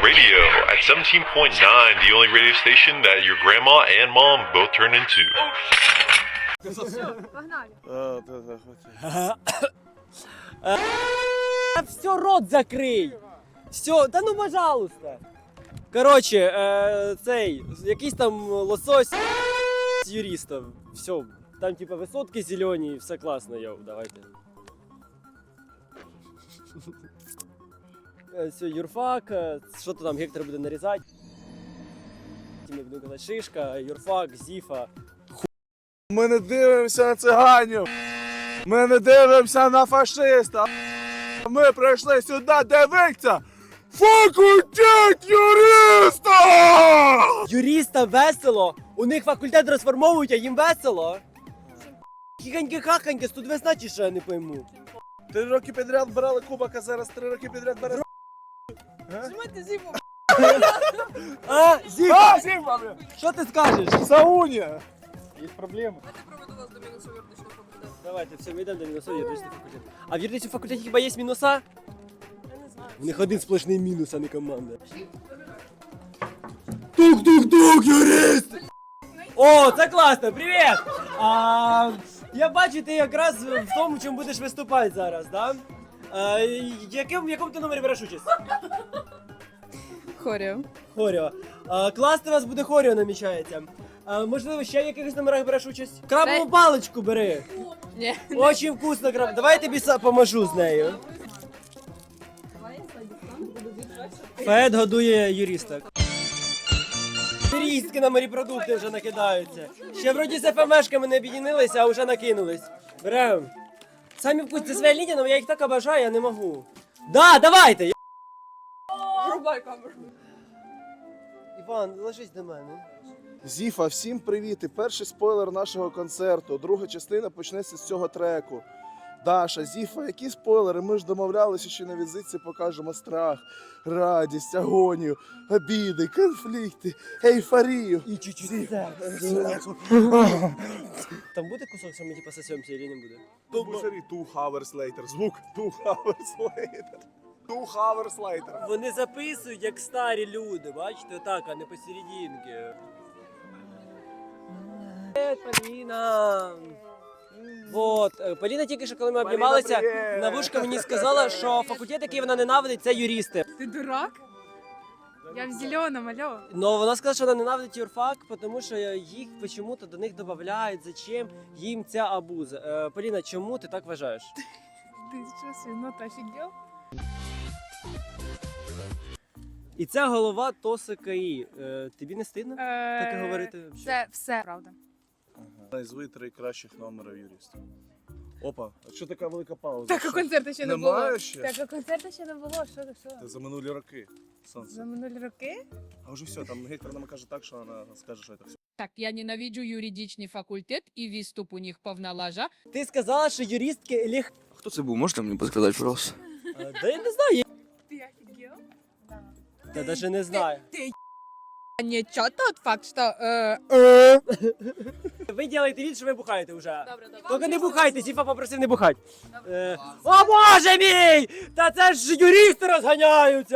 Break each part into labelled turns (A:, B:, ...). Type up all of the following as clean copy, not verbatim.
A: Radio at 17.9, the only radio station that your grandma and mom both turn into.
B: Все, рот закрий! Все, да ну пожалуйста! Короче, цей, якийсь там лосось з юристів. Все, там типа висотки зелені, все класно, йоу, давайте. Все, юрфак, що то там Гектор буде нарізати. Ми будемо казати шишка, юрфак, зіфа.
C: Ми не дивимося на циганів. Ми не дивимося на фашиста. Ми прийшли сюди дивитися факультет юриста!
B: Юриста весело? У них факультет розформовують, а їм весело? Хіганьки-хаханьки, тут весна чи що, я не пойму.
C: 3 роки підряд брали кубок, а зараз 3 роки підряд бере.
D: Зимайте зиму.
B: А, Зіфа,
C: Зіма, блін!
B: що ти скажеш?
C: Сауня! Є проблеми.
D: Я проведу вас до мінусу юридичного факультету.
B: Давайте, все, ми йдемо до мінусу юридичний факультет. А в юридичному факультеті хіба є мінуса?
D: Я не знаю.
B: У них один сплошний мінус, а не команда. Тук-тук-тук, юрист! О, це класно, привіт! Я бачу, ти якраз в тому, чому будеш виступати зараз, да? В якому ти номері береш участь?
D: Хоріо.
B: Хоріо. Класно у вас буде хоріо намічається. Можливо, ще в якихось номерах береш участь? Крабову паличку бери.
D: Ні.
B: Очень вкусно краб. Давай я тобі поможу з нею. Фед годує юристок. Юристки на морепродукти вже накидаються. Ще вроді з ФМшками не об'єднилися, а вже накинулись. Берем. Самі вкусні, це своя лінія, але я їх так обожаю, я не можу. Да, давайте!
D: Врубай камеру.
B: Іван, ложись до мене.
C: Зіфа, всім привіт! І перший спойлер нашого концерту. Друга частина почнеться з цього треку. Даша, Зіфа, які спойлери? Ми ж домовлялися, що на візитці покажемо страх, радість, агонію, обіди, конфлікти, ейфорію.
B: І чуть-чуть сексу. Там буде кусок, що ми типа сосемся, или не буде?
C: Бушері, 2 hours later. Звук 2 hours later. 2 hours later.
B: Вони записують, як старі люди, бачите, отак, а не посерединки. Привіт, Поліна! Вот, Поліна тільки що, коли ми обнімалися,
C: привіт!
B: на вушка мені сказала, що факультет, який вона ненавидить, це юристи.
D: Ти дурак? Я в зеленом, алло.
B: Но вона сказала, що вона ненавидить юрфак, тому що їх чому-то до них додають, зачем їм ця абуза. Поліна, чому ти так вважаєш?
D: Ти що, свинота, офігел?
B: І ця голова ТОС КАІ. Тобі не стидно таке говорити?
D: Це все правда.
C: Назви 3 кращих номера юриста. Опа, а що така велика пауза?
D: Так, а концерту ще не було.
C: Немає ще?
D: Так, а концерту ще не було, що ти, що?
C: Це за минулі роки. Сонце.
D: За минулі роки?
C: А вже все, там Гектор нам каже так, що вона скаже, що це все.
E: Так, я ненавиджу юридичний факультет і відступ у них повна лажа.
B: Ти сказала, що юристки лег...
F: Хто це був? Можете мені підказати, пожалуйста?
B: Да я не знаю.
D: Ти офігел?
B: Та даже не знаю.
E: Не чо тот факт, що...
B: Ви робите вид, що ви бухаєте вже.
D: Добре, добре.
B: Тільки не бухайте, Зіфа попросив не бухати. О боже мій! Та це ж юристи розганяються!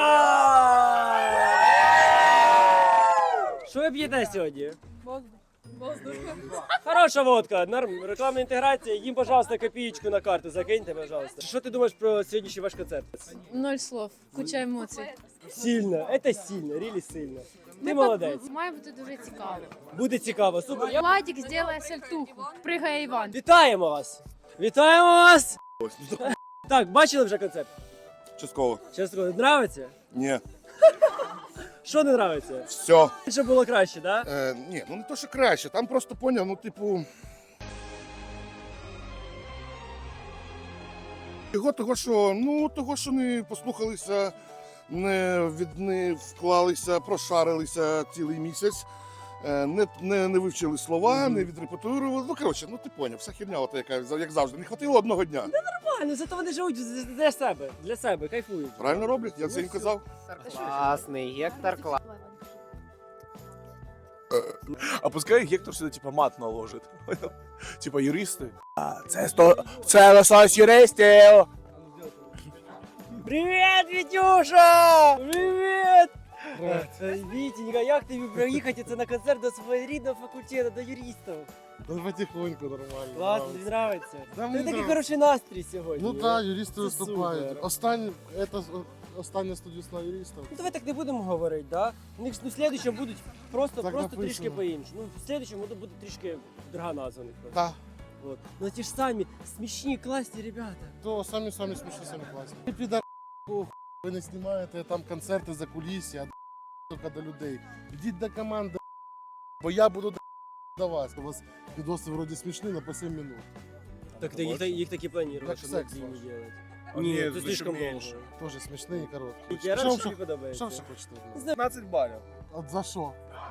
B: Що ви п'єте сьогодні?
D: Воздух. Воздух.
B: Хороша водка, норм, рекламна інтеграція. Їм, пожалуйста, копієчку на карту закиньте, пожалуйста. Що ти думаєш про сьогоднішній ваш концерт?
D: 0 слов. Куча емоцій.
B: Сильно, це сильно, рілі сильно. Ти молодець.
D: Має бути дуже цікаво.
B: Буде цікаво, супер.
D: Владик зробить сальтуху. Пригає Іван.
B: Вітаємо вас! Вітаємо вас! Так, бачили вже концерт?
G: Частково.
B: Чесно, нравиться?
G: Ні.
B: Що не нравиться?
G: Все.
B: Щоб було краще, да?
G: Ні, ну не то, що краще. Там просто поняв, ну типу. Того, що не послухалися, не вклалися, прошарилися цілий місяць, не вивчили слова, не відрепетирували. Ну, коротше, ну ти поняв, вся херня, от, яка, як завжди, не хватило одного дня.
B: Нормально, зато вони живуть для себе, кайфують.
G: Правильно роблять, я це їм казав.
H: Класний, Гектор клас.
C: А пускай Гектор сюди, типа, мат наложить. Типа, юристи. Це лосось юристів!
B: Привіт, Вітюша! Привіт! Вітенька, як тобі проїхати це на концерт до свого рідного факультету, до юристів?
G: Да потихоньку нормально.
B: Класно, тобі подобається?
G: Да,
B: Ти
G: мені
B: такий
G: нравиться.
B: хороший настрій сьогодні.
G: Ну так, юристи
B: Це
G: виступають.
B: супер.
G: Остання студійська юристів.
B: Ну давай так не будемо говорити, да? У них в слідчому будуть просто
G: Так
B: трішки
G: написано.
B: по-іншому. Ну, в слідчому буде трішки друга назва у них просто.
G: Так.
B: Вот. Ну ті ж самі смішні, класні ребята.
G: То самі смішні, самі класні. Ви підар, ви не знімаєте там концерти за кулісся, а тільки до людей. Йдіть до команди, бо я буду до вас. У вас відоси вроді смішні на по 7 минут.
B: Так їх таки планували,
G: Як
B: щоб на
G: секс
B: дві не
G: ваш.
B: делать.
G: А
B: Ні,
G: ні,
B: це
G: зачем
B: слишком
G: менше?
B: довго.
G: Теж смішний і короткий.
B: Я
G: Що
B: рад, що
G: ви
B: тобі подобається.
G: що ви хочете? від мене?
C: 15 балів.
G: От за що?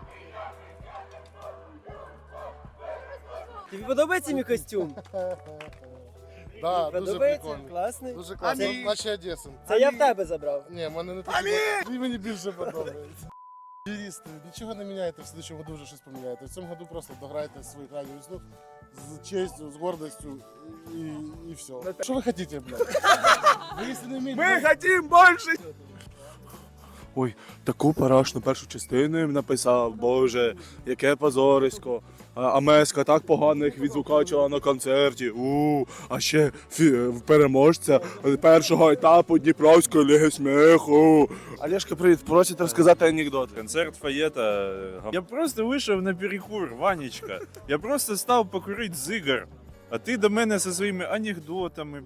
B: Тобі подобається мій костюм?
G: Да, дуже
B: Подобається?
G: прикольно.
B: Класний?
G: Дуже класно.
B: Амінь.
G: Наче Одесин.
B: Це я в тебе забрав.
G: Ні, мене не так. Він мені більше подобається. Юристи, нічого не міняєте, в слідчому году вже щось поміняєте. В цьому году просто дограйте свою крайню весну з честю, з гордістю і все. Що ви хочете, блядь? Ви якщо не вмієте...
C: Ми хотім більше! Ой, таку парашну першу частину їм написав, боже, яке позорисько. А Меска так погано їх відзвукачила на концерті. А ще переможця першого етапу Дніпровської ліги сміху. Олешка, привіт, просить розказати анекдот.
I: Концерт Фаєта. Я просто вийшов на перекур, Ванечка. Я просто став покурити зигар. А ти до мене зі своїми анекдотами.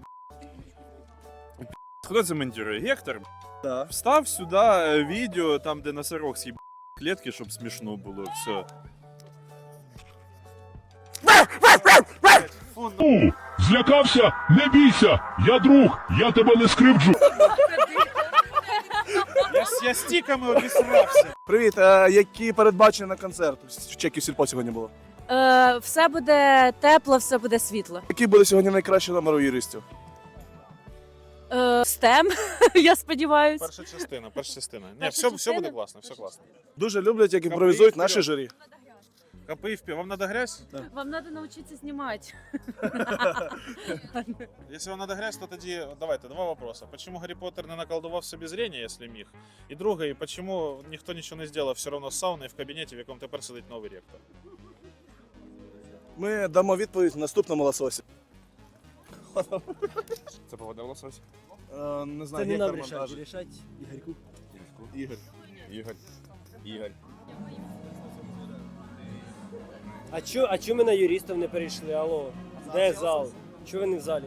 I: Хто це монтує? Гектор?
C: Да.
I: Встав сюди відео, там де носорог з'їб клітки, щоб смішно було. Все.
J: Злякався? Не бійся! Я друг, я тебе не скривджу.
I: Я стіками обісрався.
C: Привіт, які передбачення на концерт? В Чекі Сільпо сьогодні було.
K: Все буде тепло, все буде світло.
C: Який буде сьогодні найкращий номер у юристів?
K: Стем, я сподіваюся.
I: Перша частина. Ні,
K: Перша
I: все
K: частина?
I: буде класно, все класно.
C: Дуже люблять, як імпровізують наші журі.
I: Копи в вам надо грязь?
K: Вам треба навчитися знімати.
I: Если вам надо грязь, то тоді давайте два вопроса. Почему Гаррі Поттер не наколдував собі зрення, якщо міг? І друге, почему ніхто нічого не зробив все одно з сауною в кабінеті, в якому тепер сидить новий ректор?
C: Ми дамо відповідь в наступному лососі.
I: Це повода в лососі?
C: Не
B: Це
C: знаю,
B: не нам
C: Гектор монтаж.
B: рішати Ігорьку.
I: Ігор.
B: А чому ми на юристів не перейшли? Алло, де зал? Чого ви не в залі?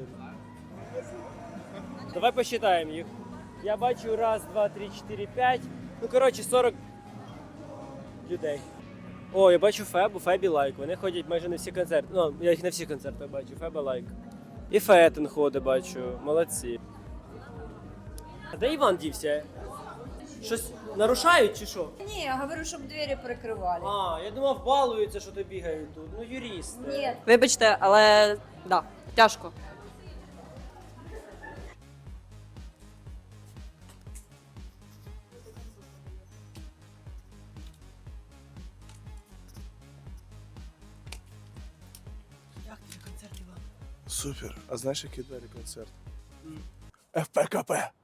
B: Давай посчитаємо їх. Я бачу раз, два, три, 4, 5. Ну, коротше, 40 людей. О, я бачу Фебу, Фебі лайк. Вони ходять майже на всі концерти. Ну, я їх на всі концерти бачу. Феба лайк. І Фетен ходить, бачу. Молодці. А де Іван дівся? Щось нарушають чи що?
K: Ні, я говорю, щоб двері перекривали.
B: А, я думав, балуються, що то бігають тут. Ну, юрист.
K: Ні. Вибачте, але да, тяжко.
B: Як тобі концерт, Іван?
C: Супер. А знаєш, який далі концерт? ФПКП.